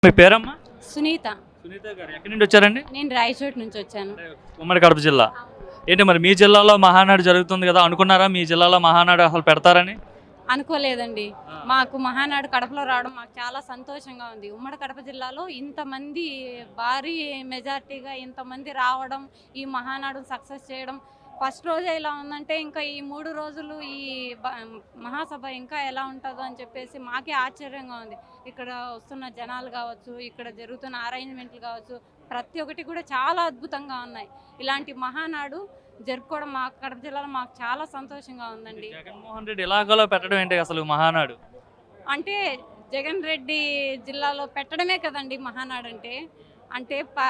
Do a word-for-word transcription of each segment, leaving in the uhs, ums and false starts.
మీ పేరమ్మా? సునీత. సునీత గారు ఎక్కడి నుండి వచ్చారండి? నేను రాయచోటి నుంచి వచ్చాను. ఉమ్మడి కడప జిల్లా. ఏంటి మరి మీ జిల్లాలో మహానాడు జరుగుతుంది కదా, అనుకున్నారా మీ జిల్లాలో మహానాడు అసలు పెడతారని? అనుకోలేదండి. మాకు మహానాడు కడపలో రావడం మాకు చాలా సంతోషంగా ఉంది. ఉమ్మడి కడప జిల్లాలో ఇంతమంది భారీ మెజార్టీగా ఇంతమంది రావడం, ఈ మహానాడు సక్సెస్ చేయడం, ఫస్ట్ రోజే ఇలా ఉందంటే ఇంకా ఈ మూడు రోజులు ఈ మహాసభ ఇంకా ఎలా ఉంటుందో అని చెప్పేసి మాకే ఆశ్చర్యంగా ఉంది. ఇక్కడ వస్తున్న జనాలు కావచ్చు, ఇక్కడ జరుగుతున్న అరేంజ్మెంట్లు కావచ్చు, ప్రతి ఒక్కటి కూడా చాలా అద్భుతంగా ఉన్నాయి. ఇలాంటి మహానాడు జరుపుకోవడం మా కడప జిల్లాలో మాకు చాలా సంతోషంగా ఉందండి. జగన్మోహన్ రెడ్డి ఇలాగలో పెట్టడం ఏంటి అసలు మహానాడు? అంటే జగన్ రెడ్డి జిల్లాలో పెట్టడమే కదండి మహానాడు అంటే. అంటే పా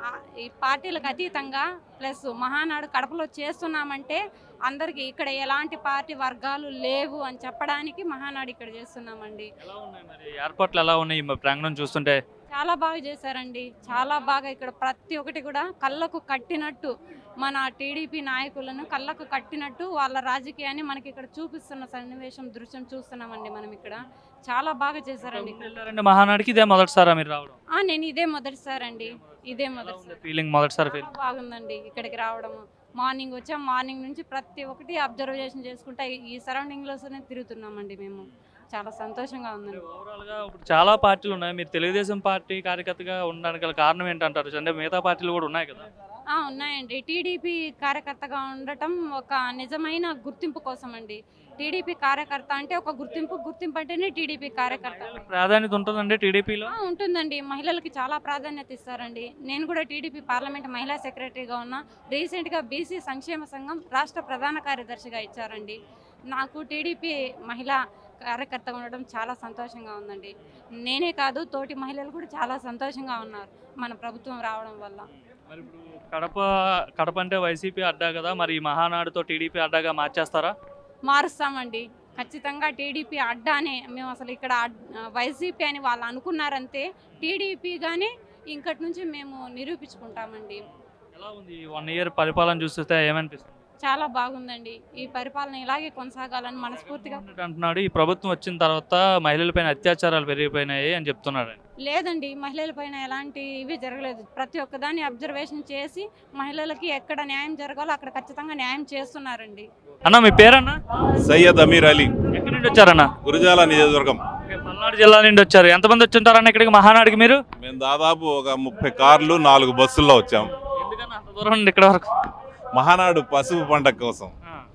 ఈ పార్టీలకు అతీతంగా ప్లస్ మహానాడు కడపలో చేస్తున్నామంటే అందరికీ ఇక్కడ ఎలాంటి పార్టీ వర్గాలు లేవు అని చెప్పడానికి మహానాడు ఇక్కడ చేస్తున్నామండి. ఎలా ఉన్నాయి మరి ఏర్పాట్లు, ఎలా ఉన్నాయి ప్రాంగణం చూస్తుంటే? చాలా బాగా చేశారండి, చాలా బాగా. ఇక్కడ ప్రతి ఒక్కటి కూడా కళ్ళకు కట్టినట్టు మన టీడీపీ నాయకులను కళ్ళకు కట్టినట్టు వాళ్ళ రాజకీయాన్ని మనకి ఇక్కడ చూపిస్తున్న సన్నివేశం దృశ్యం చూస్తున్నామండి మనం ఇక్కడ. చాలా బాగా చేశారండి. మహానాడికి ఇదే మొదటిసారా మీరు రావడం? నేను ఇదే మొదటిసారి అండి, ఇదే మొదటిసారి. ఫీలింగ్ మొదటిసారి ఫీలింగ్ బాగుందండి ఇక్కడికి రావడము. మార్నింగ్ వచ్చాం, మార్నింగ్ నుంచి ప్రతి ఒక్కటి అబ్జర్వేషన్ చేసుకుంటా ఈ సరౌండింగ్లోనే తిరుగుతున్నామండి మేము. చాలా సంతోషంగా ఉందండి. ఓవరాల్గా ఇప్పుడు చాలా పార్టీలు ఉన్నాయి, మీరు తెలుగుదేశం పార్టీ కార్యకర్తగా ఉండడానికి గల కారణం ఏంటంటారు? అంటే మిగతా పార్టీలు కూడా ఉన్నాయి కదా? ఉన్నాయండి. టీడీపీ కార్యకర్తగా ఉండటం ఒక నిజమైన గుర్తింపు కోసం అండి. టీడీపీ కార్యకర్త అంటే ఒక గుర్తింపు, గుర్తింపు అంటేనే టీడీపీ కార్యకర్త. ప్రాధాన్యత ఉంటుందండి టీడీపీలో? ఉంటుందండి, మహిళలకి చాలా ప్రాధాన్యత ఇస్తారండి. నేను కూడా టీడీపీ పార్లమెంట్ మహిళా సెక్రటరీగా ఉన్నా. రీసెంట్గా బీసీ సంక్షేమ సంఘం రాష్ట్ర ప్రధాన కార్యదర్శిగా ఇచ్చారండి. నాకు టీడీపీ మహిళా కార్యకర్తగా ఉండడం చాలా సంతోషంగా ఉందండి. నేనే కాదు, తోటి మహిళలు కూడా చాలా సంతోషంగా ఉన్నారు మన ప్రభుత్వం రావడం వల్ల. మరి ఇప్పుడు కడప కడప అంటే వైసీపీ అడ్డా కదా, మరి ఈ మహానాడుతో టీడీపీ అడ్డాగా మార్చేస్తారా? మారుస్తామండి ఖచ్చితంగా. టీడీపీ అడ్డానే మేము. అసలు ఇక్కడ వైసీపీ అని వాళ్ళు అనుకున్నారంతే, టీడీపీగానే ఇంకటి నుంచి మేము నిరూపించుకుంటామండి. ఎలా ఉంది వన్ ఇయర్ పరిపాలన చూస్తే ఏమనిపిస్తుంది? చాలా బాగుందండి. ఈ పరిపాలన ఇలాగే కొనసాగాలని మనస్ఫూర్తిగా అంటున్నాడు. ఈ ప్రభుత్వం వచ్చిన తర్వాత మహిళలపైన అత్యాచారాలు పెరిగిపోయినాయి అని చెప్తున్నాడు. లేదండి, మహిళలపైన ఎలాంటి ఇవి జరగలేదు. ప్రతి ఒక్కదాన్ని అబ్జర్వేషన్ చేసి మహిళలకి ఎక్కడ న్యాయం జరగాలో అక్కడ ఖచ్చితంగా న్యాయం చేస్తున్నారండి. అన్న మీ పేరన్నా? సయ్యద్ అమీర్ అలీ. ఎక్కడి నుండి వచ్చారన్న? గురజాల నియోజకవర్గం. పల్నాడు జిల్లా నుండి వచ్చారు. ఎంతమంది వచ్చి ఉంటారన్న ఇక్కడికి మహానాడికి మీరు? మేము దాదాపు ఒక ముప్పై కార్లు నాలుగు బస్సుల్లో వచ్చాం. ఎందుకన్నా అంత దూరం నుండి ఇక్కడ వరకు? మహానాడు పసుపు పండగ కోసం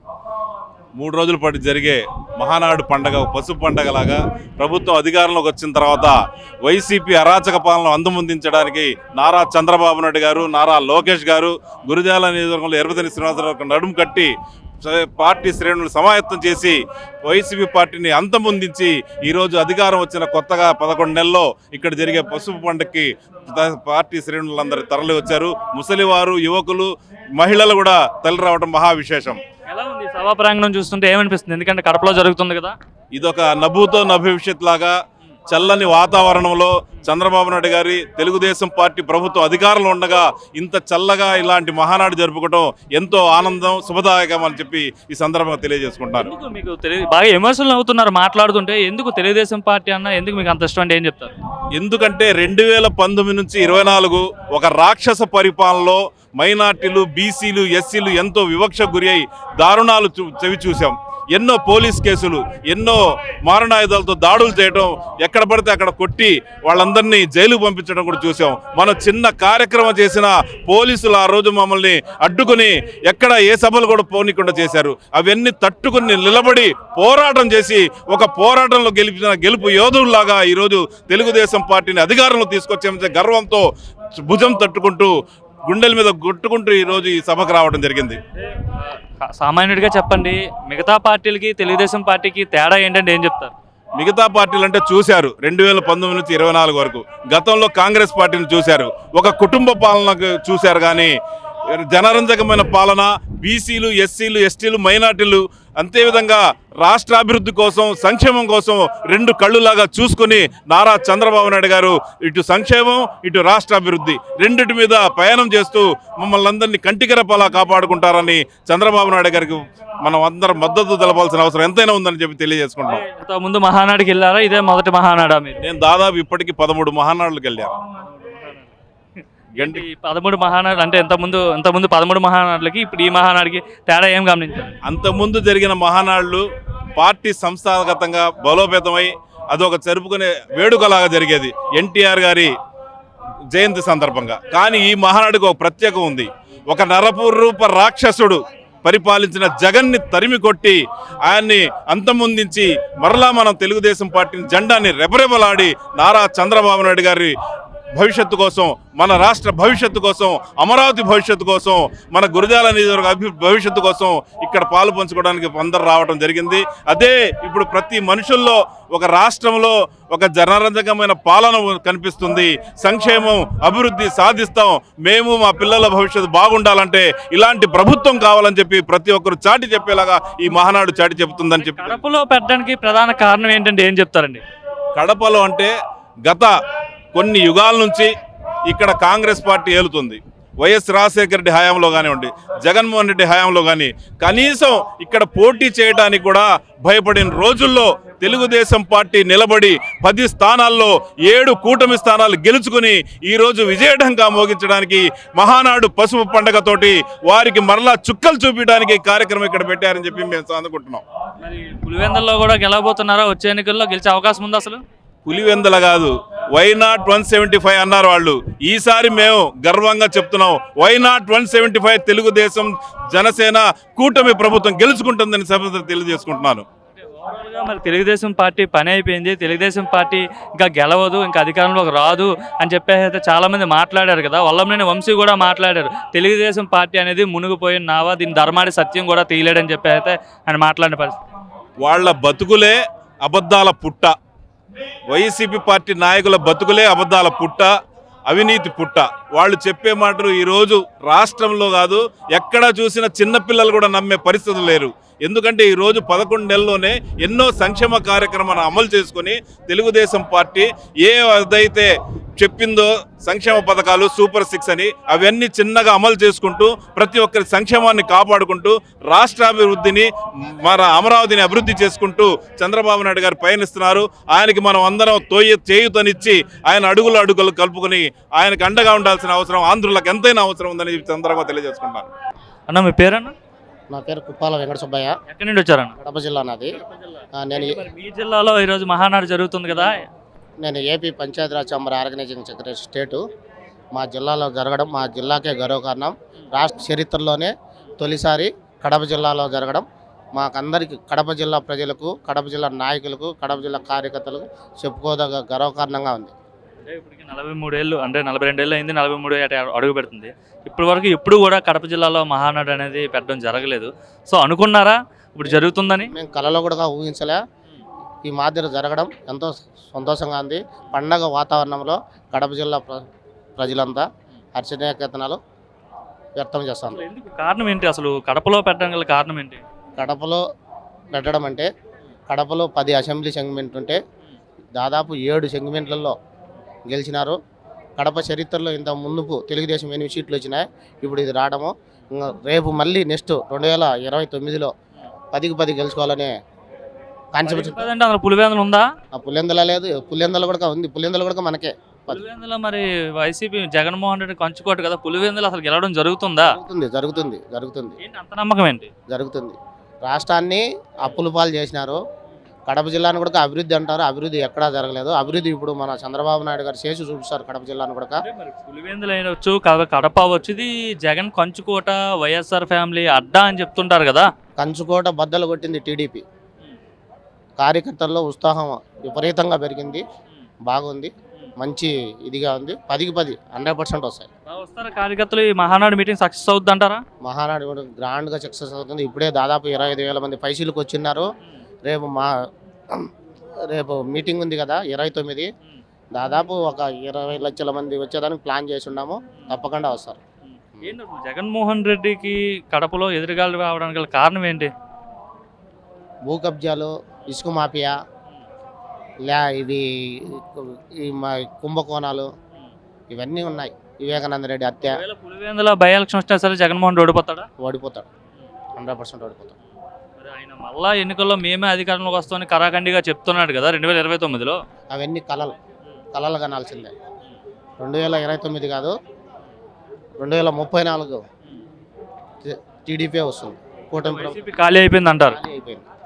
మూడు రోజుల పాటు జరిగే మహానాడు పండగ పసుపు పండగలాగా ప్రభుత్వం అధికారంలోకి వచ్చిన తర్వాత వైసీపీ అరాచక పాలన అంతమొందించడానికి నారా చంద్రబాబు నాయుడు గారు, నారా లోకేష్ గారు గురజాల నియోజకవర్గంలో ఎర్రతని శ్రీనివాసరావు నడుము కట్టి పార్టీ శ్రేణులు సమాయత్తం చేసి వైసీపీ పార్టీని అంతమొందించి ఈరోజు అధికారం వచ్చిన కొత్తగా పదకొండు నెలల్లో ఇక్కడ జరిగే పసుపు పండుగకి పార్టీ శ్రేణులందరూ తరలి వచ్చారు. ముసలివారు, యువకులు, మహిళలు కూడా తరలి రావడం మహా విశేషం. ఎలా ఉంది సభా ప్రాంగణం చూస్తుంటే ఏమనిపిస్తుంది? ఎందుకంటే కడపలో జరుగుతుంది కదా. ఇదొక నభూతో నభవిష్యత్ లాగా చల్లని వాతావరణంలో చంద్రబాబు నాయుడు గారి తెలుగుదేశం పార్టీ ప్రభుత్వం అధికారంలో ఉండగా ఇంత చల్లగా ఇలాంటి మహానాడు జరుపుకోవడం ఎంతో ఆనందం, శుభదాయకం అని చెప్పి ఈ సందర్భంగా తెలియజేసుకుంటారు. మీకు బాగా ఎమోషనల్ అవుతున్నారు మాట్లాడుతుంటే. ఎందుకు తెలుగుదేశం పార్టీ అన్న ఎందుకు మీకు అంత ఇష్టం అంటే ఏం చెప్తారు? ఎందుకంటే రెండు వేల పంతొమ్మిది నుంచి ఇరవై నాలుగు ఒక రాక్షస పరిపాలనలో మైనార్టీలు, బీసీలు, ఎస్సీలు ఎంతో వివక్ష గురి అయి దారుణాలు చవి చూసాం. ఎన్నో పోలీస్ కేసులు, ఎన్నో మారణాయుధాలతో దాడులు చేయడం, ఎక్కడ పడితే అక్కడ కొట్టి వాళ్ళందరినీ జైలుకు పంపించడం కూడా చూసాం. మనం చిన్న కార్యక్రమం చేసిన పోలీసులు ఆ రోజు మమ్మల్ని అడ్డుకుని ఎక్కడ ఏ సభలు కూడా పోనీకుండా చేశారు. అవన్నీ తట్టుకుని నిలబడి పోరాటం చేసి ఒక పోరాటంలో గెలిచిన గెలుపు యోధుల్లాగా ఈరోజు తెలుగుదేశం పార్టీని అధికారంలో తీసుకొచ్చే గర్వంతో భుజం తట్టుకుంటూ గుండెల మీద కొట్టుకుంటూ ఈరోజు ఈ సభకు రావడం జరిగింది. సామాన్యుడిగా చెప్పండి, మిగతా పార్టీలకి తెలుగుదేశం పార్టీకి తేడా ఏంటంటే ఏం చెప్తారు? మిగతా పార్టీలు అంటే చూశారు రెండు వేల పంతొమ్మిది నుంచి ఇరవై నాలుగు వరకు. గతంలో కాంగ్రెస్ పార్టీని చూశారు, ఒక కుటుంబ పాలనకు చూశారు. కానీ జనరంజకమైన పాలన, బీసీలు, ఎస్సీలు, ఎస్టీలు, మైనార్టీలు, అంతేవిధంగా రాష్ట్ర అభివృద్ధి కోసం, సంక్షేమం కోసం రెండు కళ్ళులాగా చూసుకుని నారా చంద్రబాబు నాయుడు గారు ఇటు సంక్షేమం, ఇటు రాష్ట్ర అభివృద్ధి రెండిటి మీద ప్రయాణం చేస్తూ మమ్మల్ని అందరినీ కంటికరపాలా కాపాడుకుంటారని చంద్రబాబు నాయుడు గారికి మనం అందరం మద్దతు తెలపాల్సిన అవసరం ఎంతైనా ఉందని చెప్పి తెలియజేసుకుంటాం. ముందు మహానాడుకి వెళ్ళారా? ఇదే మొదటి మహానాడా మీరు? నేను దాదాపు ఇప్పటికీ పదమూడు మహానాడులకు వెళ్ళాను. గంటి పదమూడు మహానాడు అంటే ఇంతకుముందు ఇంతకుముందు పదమూడు మహానాడులకి ఇప్పుడు ఈ మహానాడుకి తేడా ఏం గమనించారు? అంతకుముందు జరిగిన మహానాడులు పార్టీ సంస్థాగతంగా బలోపేతమై అదొక జరుపుకునే వేడుకలాగా జరిగేది ఎన్టీఆర్ గారి జయంతి సందర్భంగా. కానీ ఈ మహానాడుకు ఒక ప్రత్యేకం ఉంది. ఒక నరపురూప రాక్షసుడు పరిపాలించిన జగన్ని తరిమి కొట్టి ఆయన్ని అంతమొందించి మరలా మనం తెలుగుదేశం పార్టీ జెండాని రెపరెపలాడి నారా చంద్రబాబు నాయుడు గారి భవిష్యత్తు కోసం, మన రాష్ట్ర భవిష్యత్తు కోసం, అమరావతి భవిష్యత్తు కోసం, మన గురజాల నియోజకవర్గ అభి భవిష్యత్తు కోసం ఇక్కడ పాలు పంచుకోవడానికి అందరు రావడం జరిగింది. అదే ఇప్పుడు ప్రతి మనుషుల్లో ఒక రాష్ట్రంలో ఒక జనరంజకమైన పాలన కనిపిస్తుంది. సంక్షేమం, అభివృద్ధి సాధిస్తాం, మేము మా పిల్లల భవిష్యత్తు బాగుండాలంటే ఇలాంటి ప్రభుత్వం కావాలని చెప్పి ప్రతి ఒక్కరు చాటి చెప్పేలాగా ఈ మహానాడు చాటి చెబుతుందని చెప్పి. కడపలో పెట్టడానికి ప్రధాన కారణం ఏంటంటే ఏం చెప్తారండి? కడపలో అంటే గత కొన్ని యుగాల నుంచి ఇక్కడ కాంగ్రెస్ పార్టీ ఏలుతుంది. వైఎస్ రాజశేఖర రెడ్డి హయాంలో కానివ్వండి, జగన్మోహన్ రెడ్డి హయాంలో కానీ కనీసం ఇక్కడ పోటీ చేయడానికి కూడా భయపడిన రోజుల్లో తెలుగుదేశం పార్టీ నిలబడి పది స్థానాల్లో ఏడు కూటమి స్థానాలు గెలుచుకుని ఈరోజు విజయఢంకా మోగించడానికి మహానాడు పసుపు పండగతోటి వారికి మరలా చుక్కలు చూపించడానికి కార్యక్రమం ఇక్కడ పెట్టారని చెప్పి మేము అనుకుంటున్నాం. మరి పులివెందుల్లో కూడా గెలవబోతున్నారా? వచ్చే ఎన్నికల్లో గెలిచే అవకాశం ఉంది? అసలు పులివెందుల కాదు, why not one seventy five అన్నారు వాళ్ళు. ఈసారి మేము గర్వంగా చెప్తున్నాం, why not one seventy five Telugu Desam Janasena కూటమి ప్రభుత్వం గెలుచుకుంటుందని సభ తెలియజేసుకుంటున్నాను. మరి తెలుగుదేశం పార్టీ పని అయిపోయింది, తెలుగుదేశం పార్టీ ఇంకా గెలవదు, ఇంకా అధికారంలోకి రాదు అని చెప్పేసి అయితే చాలా మంది మాట్లాడారు కదా. వల్లభనేని వంశీ కూడా మాట్లాడారు, తెలుగుదేశం పార్టీ అనేది మునిగిపోయిన నావా, దీని ధర్మాడి సత్యం కూడా తీయలేడని చెప్పి అయితే ఆయన మాట్లాడిన పరిస్థితి. వాళ్ళ బతుకులే అబద్ధాల పుట్ట. వైసీపీ పార్టీ నాయకుల బతుకులే అబద్ధాల పుట్ట, అవినీతి పుట్ట. వాళ్ళు చెప్పే మాటలు ఈరోజు రాష్ట్రంలో కాదు ఎక్కడా చూసిన చిన్నపిల్లలు కూడా నమ్మే పరిస్థితులు లేరు. ఎందుకంటే ఈరోజు పదకొండు నెలల్లోనే ఎన్నో సంక్షేమ కార్యక్రమాలను అమలు చేసుకొని తెలుగుదేశం పార్టీ ఏ అదైతే చెప్పిందో సంక్షేమ పథకాలు సూపర్ సిక్స్ అని అవన్నీ చిన్నగా అమలు చేసుకుంటూ ప్రతి ఒక్కరి సంక్షేమాన్ని కాపాడుకుంటూ రాష్ట్రాభివృద్ధిని, మన అమరావతిని అభివృద్ధి చేసుకుంటూ చంద్రబాబు నాయుడు గారు పయనిస్తున్నారు. ఆయనకి మనం అందరం తోయ చేయుతనిచ్చి ఆయన అడుగులు అడుగులు కలుపుకొని ఆయనకు అండగా ఉండాల్సిన అవసరం ఆంధ్రులకు ఎంతైనా అవసరం ఉందని సందర్భంగా తెలియజేసుకుంటాను. అన్న మీ పేరన్నా? నా పేరు కుప్పాల వెంకట సుబ్బయ్య. ఎక్కడి నుండి వచ్చారన్న? కడప జిల్లా నాది. నేను మీ జిల్లాలో ఈరోజు మహానాడు జరుగుతుంది కదా. నేను AP Panchayati Raj chamber organising secretary state. మా జిల్లాలో జరగడం మా జిల్లాకే గర్వకారణం. రాష్ట్ర చరిత్రలోనే తొలిసారి కడప జిల్లాలో జరగడం మాకందరికి, కడప జిల్లా ప్రజలకు, కడప జిల్లా నాయకులకు, కడప జిల్లా కార్యకర్తలకు చెప్పుకోదగ్గ గర్వకారణంగా ఉంది. అంటే ఇప్పటికి నలభై మూడేళ్ళు అంటే నలభై రెండేళ్ళు అయింది, నలభై మూడు అడుగు పెడుతుంది. ఇప్పటి వరకు ఎప్పుడు కూడా కడప జిల్లాలో మహానాడు అనేది పెట్టడం జరగలేదు. సో అనుకున్నారా ఇప్పుడు జరుగుతుందని? మేము కళలో కూడా ఊహించలే. ఈ మాదిరి జరగడం ఎంతో సంతోషంగా ఉంది. పండగ వాతావరణంలో కడప జిల్లా ప్ర ప్రజలంతా హర్షణీయకేతనాలు వ్యక్తం చేస్తాను. ఎందుకు కారణం ఏంటి? అసలు కడపలో పెట్టడం గల కారణం ఏంటి? కడపలో పెట్టడం అంటే కడపలో పది అసెంబ్లీ సెగ్మెంట్ ఉంటే దాదాపు ఏడు సెగ్మెంట్లలో గెలిచినారు. కడప చరిత్రలో ఇంత ముందుకు తెలుగుదేశం ఎనిమిది సీట్లు వచ్చినాయి. ఇప్పుడు ఇది రావడము, రేపు మళ్ళీ నెక్స్ట్ రెండు వేల ఇరవై తొమ్మిదిలో పదికి పది గెలుచుకోవాలనే కాన్సెప్ట్. పులివెందులు ఉందా? పులివెందుల లేదు, పులివెందుల కూడా ఉంది. పులివెందుల కూడా మనకే. పులివెందుల మరి వైసీపీ జగన్మోహన్ రెడ్డి కంచుకోట కదా, పులివెందులు అసలు గెలవడం జరుగుతుందా? జరుగుతుంది జరుగుతుంది జరుగుతుంది అంత నమ్మకం ఏంటి? జరుగుతుంది. రాష్ట్రాన్ని అప్పుల పాలు చేసినారు. కడప జిల్లాను కూడా అభివృద్ధి అంటారు, అభివృద్ధి ఎక్కడా జరగలేదు. అభివృద్ధి ఇప్పుడు మన చంద్రబాబు నాయుడు గారు చేసి చూపిస్తారు కడప జిల్లాను కూడా. పులివెందులు అయినవచ్చు, కడప వచ్చి జగన్ కంచుకోట, వైఎస్ఆర్ ఫ్యామిలీ అడ్డా అని చెప్తుంటారు కదా. కంచుకోట బద్దలు కొట్టింది టీడీపీ. కార్యకర్తల్లో ఉత్సాహం విపరీతంగా పెరిగింది, బాగుంది, మంచి ఇదిగా ఉంది. పదికి పది హండ్రెడ్ పర్సెంట్ వస్తాయి. వస్తారా కార్యకర్తలు? ఈ మహానాడు మీటింగ్ సక్సెస్ అవుతుంది అంటారా? మహానాడు కూడా గ్రాండ్గా సక్సెస్ అవుతుంది. ఇప్పుడే దాదాపు ఇరవై ఐదు వేల మంది పైసీలకు వచ్చిన్నారు. రేపు మా రేపు మీటింగ్ ఉంది కదా ఇరవై తొమ్మిది, దాదాపు ఒక ఇరవై లక్షల మంది వచ్చేదానికి ప్లాన్ చేసి ఉన్నాము. తప్పకుండా వస్తారు. ఏంటి అసలు జగన్మోహన్ రెడ్డికి కడపలో ఎదురుగాలు రావడానికి గల కారణం ఏంటి? భూ కబ్జాలు, ఇసుక మాఫియా, లే ఇవి ఈ మా కుంభకోణాలు ఇవన్నీ ఉన్నాయి. వివేకానంద రెడ్డి హత్య. ఒకవేళ పులివెందుల బై ఎలక్షన్ వచ్చినా సరే జగన్మోహన్ రెడ్డి ఓడిపోతాడా? ఓడిపోతాడు, హండ్రెడ్ పర్సెంట్ ఓడిపోతాడు. మరి ఆయన మళ్ళా ఎన్నికల్లో మేమే అధికారంలోకి వస్తామని కరాఖండిగా చెప్తున్నాడు కదా రెండు వేల ఇరవై తొమ్మిదిలో. అవన్నీ కళలు కళలు కనాల్సిందే. రెండు వేల ఇరవై తొమ్మిది కాదు, రెండు వేల ముప్పై నాలుగు టీడీపీ వస్తుంది. కూటమి ప్రభుత్వం వైసీపీ ఖాళీ అయిపోయింది అంటారు. ఖాళీ అయిపోయింది.